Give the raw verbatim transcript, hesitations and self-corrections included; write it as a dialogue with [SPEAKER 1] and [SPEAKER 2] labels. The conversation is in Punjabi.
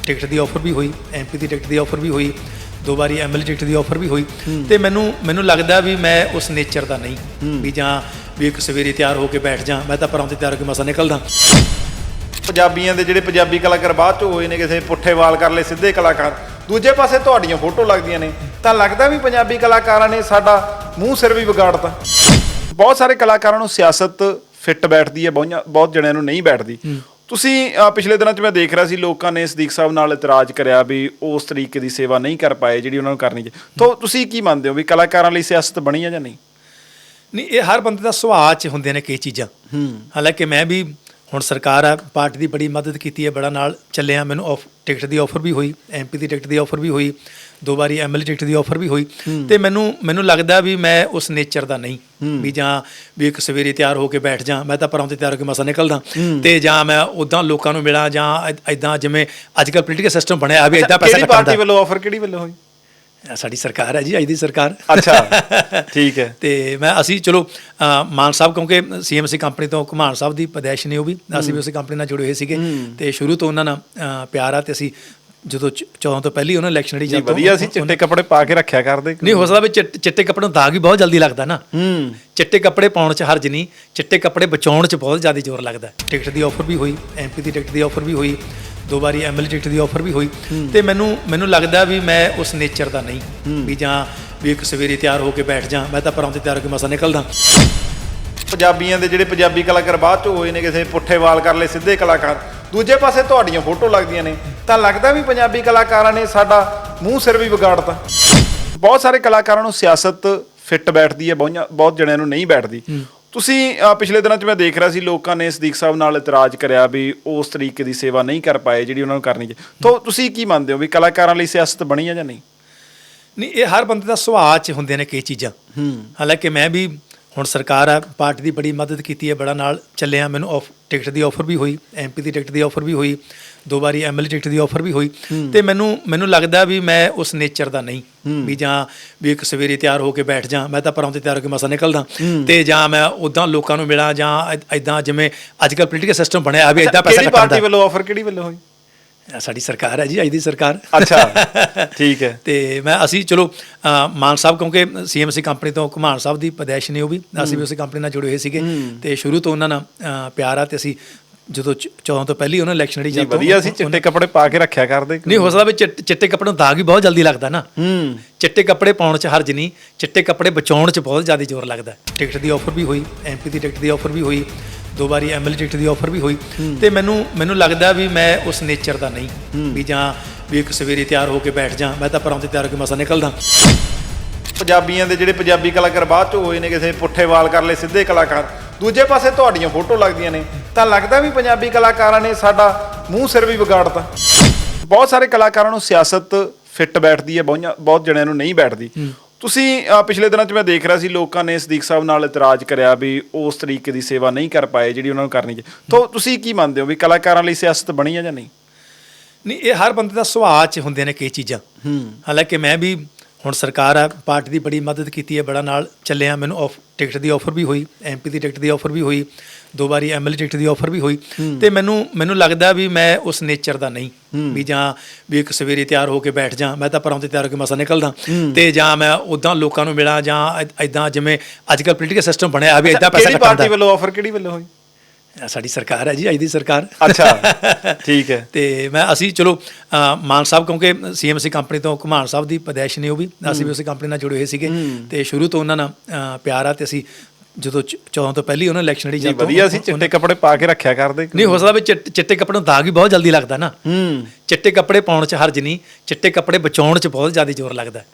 [SPEAKER 1] ਟਿਕਟ ਦੀ ਆਫਰ ਵੀ ਹੋਈ, ਐਮਪੀ ਦੀ ਟਿਕਟ ਦੀ ਆਫਰ ਵੀ ਹੋਈ, ਦੋ ਵਾਰੀ ਐਮਐਲਏ ਟਿਕਟ ਦੀ ਆਫਰ ਵੀ ਹੋਈ। ਤੇ ਮੈਨੂੰ ਮੈਨੂੰ ਲੱਗਦਾ ਵੀ ਮੈਂ ਉਸ ਨੇਚਰ ਦਾ ਨਹੀਂ ਵੀ ਜਾਂ ਵੀ ਇੱਕ ਸਵੇਰੇ ਤਿਆਰ ਹੋ ਕੇ ਬੈਠ ਜਾ, ਮੈਂ ਤਾਂ ਪਰਾਂ ਤੇ ਤਿਆਰ ਹੋ ਕੇ ਮਸਾਂ ਨਿਕਲਦਾ।
[SPEAKER 2] ਪੰਜਾਬੀਆਂ ਦੇ ਜਿਹੜੇ ਪੰਜਾਬੀ ਕਲਾਕਾਰ ਬਾਅਦ ਚ ਹੋਏ ਨੇ, ਕਿਸੇ ਪੁੱਠੇ ਵਾਲ ਕਰ ਲਏ ਸਿੱਧੇ ਕਲਾਕਾਰ, ਦੂਜੇ ਪਾਸੇ ਤੁਹਾਡੀਆਂ ਫੋਟੋ ਲੱਗਦੀਆਂ ਨੇ, ਤਾਂ ਲੱਗਦਾ ਵੀ ਪੰਜਾਬੀ ਕਲਾਕਾਰਾਂ ਨੇ ਸਾਡਾ ਮੂੰਹ ਸਿਰ ਵੀ ਵਿਗਾੜਤਾ। ਬਹੁਤ ਸਾਰੇ ਕਲਾਕਾਰਾਂ ਨੂੰ ਸਿਆਸਤ ਫਿੱਟ ਬੈਠਦੀ ਹੈ, ਬਹੁਤ ਬਹੁਤ ਜਣਿਆਂ ਨੂੰ ਨਹੀਂ ਬੈਠਦੀ। ਤੁਸੀਂ ਪਿਛਲੇ ਦਿਨਾਂ 'ਚ ਮੈਂ ਦੇਖ ਰਿਹਾ ਸੀ ਲੋਕਾਂ ਨੇ ਸਦੀਕ ਸਾਹਿਬ ਨਾਲ ਇਤਰਾਜ਼ ਕਰਿਆ ਵੀ ਉਸ ਤਰੀਕੇ ਦੀ ਸੇਵਾ ਨਹੀਂ ਕਰ ਪਾਏ ਜਿਹੜੀ ਉਹਨਾਂ ਨੂੰ ਕਰਨੀ ਚਾਹੀਦੀ। ਤਾਂ ਤੁਸੀਂ ਕੀ ਮੰਨਦੇ ਹੋ ਵੀ ਕਲਾਕਾਰਾਂ ਲਈ ਸਿਆਸਤ ਬਣੀ ਹੈ ਜਾਂ ਨਹੀਂ?
[SPEAKER 1] ਨਹੀਂ, ਇਹ ਹਰ ਬੰਦੇ ਦਾ ਸੁਭਾਅ 'ਚ ਹੁੰਦੇ ਨੇ ਕਈ ਚੀਜ਼ਾਂ। ਹਾਲਾਂਕਿ ਮੈਂ ਵੀ ਹੁਣ ਸਰਕਾਰ ਆ, ਪਾਰਟੀ ਦੀ ਬੜੀ ਮਦਦ ਕੀਤੀ ਹੈ, ਬੜਾ ਨਾਲ ਚੱਲਿਆ। ਮੈਨੂੰ ਆਫ ਟਿਕਟ ਦੀ ਆਫਰ ਵੀ ਹੋਈ, ਐਮਪੀ ਦੀ ਟਿਕਟ ਦੀ ਆਫਰ ਵੀ ਹੋਈ, ਦੋ ਵਾਰੀ ਐਮਐਲਏ ਟਿਕਟ ਦੀ ਆਫਰ ਵੀ ਹੋਈ। ਤੇ ਮੈਨੂੰ ਮੈਨੂੰ ਲੱਗਦਾ ਵੀ ਮੈਂ ਉਸ ਨੇਚਰ ਦਾ ਨਹੀਂ ਵੀ ਜਾਂ ਵੀ ਇੱਕ ਸਵੇਰੇ ਤਿਆਰ ਹੋ ਕੇ ਬੈਠ ਜਾ, ਮੈਂ ਤਾਂ ਪਰਾਂ ਤੇ ਤਿਆਰ ਹੋ ਕੇ ਮਸਾਂ ਨਿਕਲਦਾ। ਤੇ ਜਾਂ ਮੈਂ ਉੱਦਾਂ ਲੋਕਾਂ ਨੂੰ ਮਿਲਾਂ ਜਾਂ ਇੱਦਾਂ ਜਿਵੇਂ ਅੱਜ ਕੱਲ੍ਹ ਪੋਲੀਟੀਕਲ ਸਿਸਟਮ ਬਣਿਆ ਵੀ ਇੱਦਾਂ ਪੈਸਾ
[SPEAKER 2] ਪਾਰਟੀ ਵੱਲੋਂ ਆਫਰ ਕਿਹੜੀ ਵੱਲੋਂ ਹੋਈ?
[SPEAKER 1] ਸਾਡੀ ਸਰਕਾਰ ਹੈ ਜੀ, ਅੱਜ ਦੀ ਸਰਕਾਰ।
[SPEAKER 2] ਅੱਛਾ, ਠੀਕ ਹੈ।
[SPEAKER 1] ਤੇ ਮੈਂ ਅਸੀਂ ਚਲੋ ਮਾਨ ਸਾਹਿਬ, ਕਿਉਂਕਿ ਸੀਐਮਸੀ ਕੰਪਨੀ ਤੋਂ ਘੁਮਾਣ ਸਾਹਿਬ ਦੀ ਪਦੈਸ਼ ਨੇ, ਉਹ ਵੀ ਅਸੀਂ ਵੀ ਉਸੇ ਕੰਪਨੀ ਨਾਲ ਜੁੜੇ ਹੋਏ ਸੀਗੇ ਤੇ ਸ਼ੁਰੂ ਤੋਂ ਉਹਨਾਂ ਨਾਲ ਪਿਆਰ ਆ। ਤੇ ਅਸੀਂ ਜਦੋਂ ਚੌਦਾਂ ਤੋਂ ਪਹਿਲੀ ਉਹਨਾਂ ਇਲੈਕਸ਼ਨ ਲੜੀ
[SPEAKER 2] ਜਾਂਦੇ ਵਧੀਆ ਸੀ, ਚਿੱਟੇ ਕੱਪੜੇ ਪਾ ਕੇ ਰੱਖਿਆ ਕਰਦੇ।
[SPEAKER 1] ਨਹੀਂ, ਹੋ ਸਕਦਾ ਵੀ ਚਿੱਟੇ ਕੱਪੜੇ ਨੂੰ ਦਾਗ ਵੀ ਬਹੁਤ ਜਲਦੀ ਲੱਗਦਾ ਨਾ। ਚਿੱਟੇ ਕੱਪੜੇ ਪਾਉਣ 'ਚ ਹਰਜ ਨਹੀਂ, ਚਿੱਟੇ ਕੱਪੜੇ ਬਚਾਉਣ 'ਚ ਬਹੁਤ ਜ਼ਿਆਦਾ ਜ਼ੋਰ ਲੱਗਦਾ। ਟਿਕਟ ਦੀ ਆਫਰ ਵੀ ਹੋਈ, ਐਮਪੀ ਦੀ ਟਿਕਟ ਦੀ ਆਫਰ ਵੀ ਹੋਈ, ਦੋ ਵਾਰੀ ਐਮਐਲਏ ਟਿਕਟ ਦੀ ਆਫਰ ਵੀ ਹੋਈ। ਤੇ ਮੈਨੂੰ ਮੈਨੂੰ ਲੱਗਦਾ ਵੀ ਮੈਂ ਉਸ ਨੇਚਰ ਦਾ ਨਹੀਂ ਵੀ ਜਾਂ ਵੀ ਇੱਕ ਸਵੇਰੇ ਤਿਆਰ ਹੋ ਕੇ ਬੈਠ ਜਾ, ਮੈਂ ਤਾਂ ਪਰਾਂ ਤੇ ਤਿਆਰ ਹੋ ਕੇ ਮਸਾਂ ਨਿਕਲਦਾ।
[SPEAKER 2] ਪੰਜਾਬੀਆਂ ਦੇ ਜਿਹੜੇ ਪੰਜਾਬੀ ਕਲਾਕਾਰ ਬਾਅਦ ਚ ਹੋਏ ਨੇ, ਕਿਸੇ ਪੁੱਠੇ ਵਾਲ ਕਰ ਲਏ ਸਿੱਧੇ ਕਲਾਕਾਰ, ਦੂਜੇ ਪਾਸੇ ਤੁਹਾਡੀਆਂ ਫੋਟੋ ਲੱਗਦੀਆਂ ਨੇ, ਤਾਂ ਲੱਗਦਾ ਵੀ ਪੰਜਾਬੀ ਕਲਾਕਾਰਾਂ ਨੇ ਸਾਡਾ ਮੂੰਹ ਸਿਰ ਵੀ ਵਿਗਾੜਤਾ। ਬਹੁਤ ਸਾਰੇ ਕਲਾਕਾਰਾਂ ਨੂੰ ਸਿਆਸਤ ਫਿੱਟ ਬੈਠਦੀ ਹੈ, ਬਹੁਤ ਬਹੁਤ ਜਣਿਆਂ ਨੂੰ ਨਹੀਂ ਬੈਠਦੀ। ਤੁਸੀਂ ਪਿਛਲੇ ਦਿਨਾਂ 'ਚ ਮੈਂ ਦੇਖ ਰਿਹਾ ਸੀ ਲੋਕਾਂ ਨੇ ਸਦੀਕ ਸਾਹਿਬ ਨਾਲ ਇਤਰਾਜ਼ ਕਰਿਆ ਵੀ ਉਸ ਤਰੀਕੇ ਦੀ ਸੇਵਾ ਨਹੀਂ ਕਰ ਪਾਏ ਜਿਹੜੀ ਉਹਨਾਂ ਨੂੰ ਕਰਨੀ ਚਾਹੀਦੀ। ਤਾਂ ਤੁਸੀਂ ਕੀ ਮੰਨਦੇ ਹੋ ਵੀ ਕਲਾਕਾਰਾਂ ਲਈ ਸਿਆਸਤ ਬਣੀ ਹੈ ਜਾਂ ਨਹੀਂ?
[SPEAKER 1] ਨਹੀਂ, ਇਹ ਹਰ ਬੰਦੇ ਦਾ ਸੁਭਾਅ 'ਚ ਹੁੰਦੇ ਨੇ ਕਈ ਚੀਜ਼ਾਂ। ਹਾਲਾਂਕਿ ਮੈਂ ਵੀ ਹੁਣ ਸਰਕਾਰ ਆ, ਪਾਰਟੀ ਦੀ ਬੜੀ ਮਦਦ ਕੀਤੀ ਹੈ, ਬੜਾ ਨਾਲ ਚੱਲਿਆ। ਮੈਨੂੰ ਆਫ ਟਿਕਟ ਦੀ ਆਫਰ ਵੀ ਹੋਈ, ਐਮਪੀ ਦੀ ਟਿਕਟ ਦੀ ਆਫਰ ਵੀ ਹੋਈ, ਦੋ ਵਾਰੀ ਐਮਐਲਏ ਟਿਕਟ ਦੀ ਆਫਰ ਵੀ ਹੋਈ। ਤੇ ਮੈਨੂੰ ਮੈਨੂੰ ਲੱਗਦਾ ਵੀ ਮੈਂ ਉਸ ਨੇਚਰ ਦਾ ਨਹੀਂ ਵੀ ਜਾਂ ਵੀ ਇੱਕ ਸਵੇਰੇ ਤਿਆਰ ਹੋ ਕੇ ਬੈਠ ਜਾ, ਮੈਂ ਤਾਂ ਪਰਾਂ ਤੇ ਤਿਆਰ ਹੋ ਕੇ ਮਸਾਂ ਨਿਕਲਦਾ। ਤੇ ਜਾਂ ਮੈਂ ਉੱਦਾਂ ਲੋਕਾਂ ਨੂੰ ਮਿਲਾਂ ਜਾਂ ਇੱਦਾਂ ਜਿਵੇਂ ਅੱਜ ਕੱਲ੍ਹ ਪੋਲੀਟੀਕਲ ਸਿਸਟਮ ਬਣਿਆ ਵੀ ਇੱਦਾਂ ਪੈਸਾ ਕੱਢਦਾ।
[SPEAKER 2] ਪਾਰਟੀ ਵੱਲੋਂ ਆਫਰ ਕਿਹੜੀ ਵੱਲੋਂ ਹੋਈ?
[SPEAKER 1] ਸਾਡੀ ਸਰਕਾਰ ਹੈ ਜੀ, ਅੱਜ ਦੀ ਸਰਕਾਰ।
[SPEAKER 2] ਅੱਛਾ, ਠੀਕ ਹੈ।
[SPEAKER 1] ਤੇ ਮੈਂ ਅਸੀਂ ਚਲੋ ਮਾਨ ਸਾਹਿਬ, ਕਿਉਂਕਿ ਸੀਐਮਸੀ ਕੰਪਨੀ ਤੋਂ ਘੁਮਾਣ ਸਾਹਿਬ ਦੀ ਪਦੈਸ਼ ਨੇ, ਉਹ ਵੀ ਅਸੀਂ ਵੀ ਉਸੇ ਕੰਪਨੀ ਨਾਲ ਜੁੜੇ ਹੋਏ ਸੀਗੇ ਤੇ ਸ਼ੁਰੂ ਤੋਂ ਉਹਨਾਂ ਨਾਲ ਪਿਆਰ ਆ। ਤੇ ਅਸੀਂ ਜਦੋਂ ਚੌਦਾਂ ਤੋਂ ਪਹਿਲੀ ਉਹਨਾਂ ਇਲੈਕਸ਼ਨ ਲੜੀ ਜਾਂਦੇ
[SPEAKER 2] ਵਧੀਆ ਸੀ, ਚਿੱਟੇ ਕੱਪੜੇ ਪਾ ਕੇ ਰੱਖਿਆ ਕਰਦੇ।
[SPEAKER 1] ਨਹੀਂ, ਹੋ ਸਕਦਾ ਵੀ ਚਿੱਟੇ ਕੱਪੜੇ ਨੂੰ ਦਾਗ ਵੀ ਬਹੁਤ ਜਲਦੀ ਲੱਗਦਾ ਨਾ। ਚਿੱਟੇ ਕੱਪੜੇ ਪਾਉਣ 'ਚ ਹਰਜ ਨਹੀਂ, ਚਿੱਟੇ ਕੱਪੜੇ ਬਚਾਉਣ 'ਚ ਬਹੁਤ ਜ਼ਿਆਦਾ ਜ਼ੋਰ ਲੱਗਦਾ। ਟਿਕਟ ਦੀ ਆਫਰ ਵੀ ਹੋਈ, ਐਮਪੀ ਦੀ ਟਿਕਟ ਦੀ ਆਫਰ ਵੀ ਹੋਈ, ਦੋ ਵਾਰੀ ਐਮਐਲਏ ਟਿਕਟ ਦੀ ਆਫਰ ਵੀ ਹੋਈ। ਤੇ ਮੈਨੂੰ ਮੈਨੂੰ ਲੱਗਦਾ ਵੀ ਮੈਂ ਉਸ ਨੇਚਰ ਦਾ ਨਹੀਂ ਵੀ ਜਾਂ ਵੀ ਇੱਕ ਸਵੇਰੇ ਤਿਆਰ ਹੋ ਕੇ ਬੈਠ ਜਾ, ਮੈਂ ਤਾਂ ਪਰਾਂ ਤੇ ਤਿਆਰ ਹੋ ਕੇ ਮਸਾਂ ਨਿਕਲਦਾ।
[SPEAKER 2] ਪੰਜਾਬੀਆਂ ਦੇ ਜਿਹੜੇ ਪੰਜਾਬੀ ਕਲਾਕਾਰ ਬਾਅਦ ਚ ਹੋਏ ਨੇ, ਕਿਸੇ ਪੁੱਠੇ ਵਾਲ ਕਰ ਲਏ ਸਿੱਧੇ ਕਲਾਕਾਰ, ਦੂਜੇ ਪਾਸੇ ਤੁਹਾਡੀਆਂ ਫੋਟੋ ਲੱਗਦੀਆਂ ਨੇ, ਤਾਂ ਲੱਗਦਾ ਵੀ ਪੰਜਾਬੀ ਕਲਾਕਾਰਾਂ ਨੇ ਸਾਡਾ ਮੂੰਹ ਸਿਰ ਵੀ ਵਿਗਾੜਤਾ। ਬਹੁਤ ਸਾਰੇ ਕਲਾਕਾਰਾਂ ਨੂੰ ਸਿਆਸਤ ਫਿੱਟ ਬੈਠਦੀ ਹੈ, ਬਹੁਤ ਬਹੁਤ ਜਣਿਆਂ ਨੂੰ ਨਹੀਂ ਬੈਠਦੀ। ਤੁਸੀਂ ਪਿਛਲੇ ਦਿਨਾਂ 'ਚ ਮੈਂ ਦੇਖ ਰਿਹਾ ਸੀ ਲੋਕਾਂ ਨੇ ਸਦੀਕ ਸਾਹਿਬ ਨਾਲ ਇਤਰਾਜ਼ ਕਰਿਆ ਵੀ ਉਸ ਤਰੀਕੇ ਦੀ ਸੇਵਾ ਨਹੀਂ ਕਰ ਪਾਏ ਜਿਹੜੀ ਉਹਨਾਂ ਨੂੰ ਕਰਨੀ ਚਾਹੀਦੀ। ਤਾਂ ਤੁਸੀਂ ਕੀ ਮੰਨਦੇ ਹੋ ਵੀ ਕਲਾਕਾਰਾਂ ਲਈ ਸਿਆਸਤ ਬਣੀ ਹੈ ਜਾਂ ਨਹੀਂ?
[SPEAKER 1] ਨਹੀਂ, ਇਹ ਹਰ ਬੰਦੇ ਦਾ ਸੁਭਾਅ 'ਚ ਹੁੰਦੇ ਨੇ ਕਈ ਚੀਜ਼ਾਂ। ਹਾਲਾਂਕਿ ਮੈਂ ਵੀ ਹੁਣ ਸਰਕਾਰ ਆ, ਪਾਰਟੀ ਦੀ ਬੜੀ ਮਦਦ ਕੀਤੀ ਹੈ, ਬੜਾ ਨਾਲ ਚੱਲਿਆ। ਮੈਨੂੰ ਆਫ ਟਿਕਟ ਦੀ ਆਫਰ ਵੀ ਹੋਈ, ਐਮਪੀ ਦੀ ਟਿਕਟ ਦੀ ਆਫਰ ਵੀ ਹੋਈ, ਦੋ ਵਾਰੀ ਐਮਐਲਏ ਟਿਕਟ ਦੀ ਆਫਰ ਵੀ ਹੋਈ। ਤੇ ਮੈਨੂੰ ਮੈਨੂੰ ਲੱਗਦਾ ਵੀ ਮੈਂ ਉਸ ਨੇਚਰ ਦਾ ਨਹੀਂ ਵੀ ਜਾਂ ਵੀ ਇੱਕ ਸਵੇਰੇ ਤਿਆਰ ਹੋ ਕੇ ਬੈਠ ਜਾ, ਮੈਂ ਤਾਂ ਪਰਾਂ ਤੇ ਤਿਆਰ ਹੋ ਕੇ ਮਸਾਂ ਨਿਕਲਦਾ। ਤੇ ਜਾਂ ਮੈਂ ਉੱਦਾਂ ਲੋਕਾਂ ਨੂੰ ਮਿਲਾਂ ਜਾਂ ਇੱਦਾਂ ਜਿਵੇਂ ਅੱਜ ਕੱਲ੍ਹ ਪੋਲੀਟੀਕਲ ਸਿਸਟਮ ਬਣਿਆ ਵੀ ਇੱਦਾਂ ਪੈਸਾ ਕੱਢਦਾ।
[SPEAKER 2] ਪਾਰਟੀ ਵੱਲੋਂ ਆਫਰ ਕਿਹੜੀ ਵੱਲੋਂ ਹੋਈ?
[SPEAKER 1] ਸਾਡੀ ਸਰਕਾਰ ਹੈ ਜੀ, ਅੱਜ ਦੀ ਸਰਕਾਰ।
[SPEAKER 2] ਅੱਛਾ, ਠੀਕ ਹੈ।
[SPEAKER 1] ਤੇ ਮੈਂ ਅਸੀਂ ਚਲੋ ਮਾਨ ਸਾਹਿਬ, ਕਿਉਂਕਿ ਸੀਐਮਸੀ ਕੰਪਨੀ ਤੋਂ ਘੁਮਾਣ ਸਾਹਿਬ ਦੀ ਪਦੈਸ਼ ਨੇ, ਉਹ ਵੀ ਅਸੀਂ ਵੀ ਉਸੇ ਕੰਪਨੀ ਨਾਲ ਜੁੜੇ ਹੋਏ ਸੀਗੇ ਤੇ ਸ਼ੁਰੂ ਤੋਂ ਉਹਨਾਂ ਨਾਲ ਪਿਆਰ ਆ। ਤੇ ਅਸੀਂ ਜਦੋਂ ਚੌਦਾਂ ਤੋਂ ਪਹਿਲੀ ਉਹਨਾਂ ਇਲੈਕਸ਼ਨ ਲੜੀ ਜਾਂਦੇ
[SPEAKER 2] ਵਧੀਆ ਸੀ, ਚਿੱਟੇ ਕੱਪੜੇ ਪਾ ਕੇ ਰੱਖਿਆ ਕਰਦੇ।
[SPEAKER 1] ਨਹੀਂ, ਹੋ ਸਕਦਾ ਵੀ ਚਿੱਟੇ ਕੱਪੜੇ ਨੂੰ ਦਾਗ ਵੀ ਬਹੁਤ ਜਲਦੀ ਲੱਗਦਾ ਨਾ। ਚਿੱਟੇ ਕੱਪੜੇ ਪਾਉਣ 'ਚ ਹਰਜ ਨਹੀਂ, ਚਿੱਟੇ ਕੱਪੜੇ ਬਚਾਉਣ 'ਚ ਬਹੁਤ ਜ਼ਿਆਦਾ ਜ਼ੋਰ ਲੱਗਦਾ।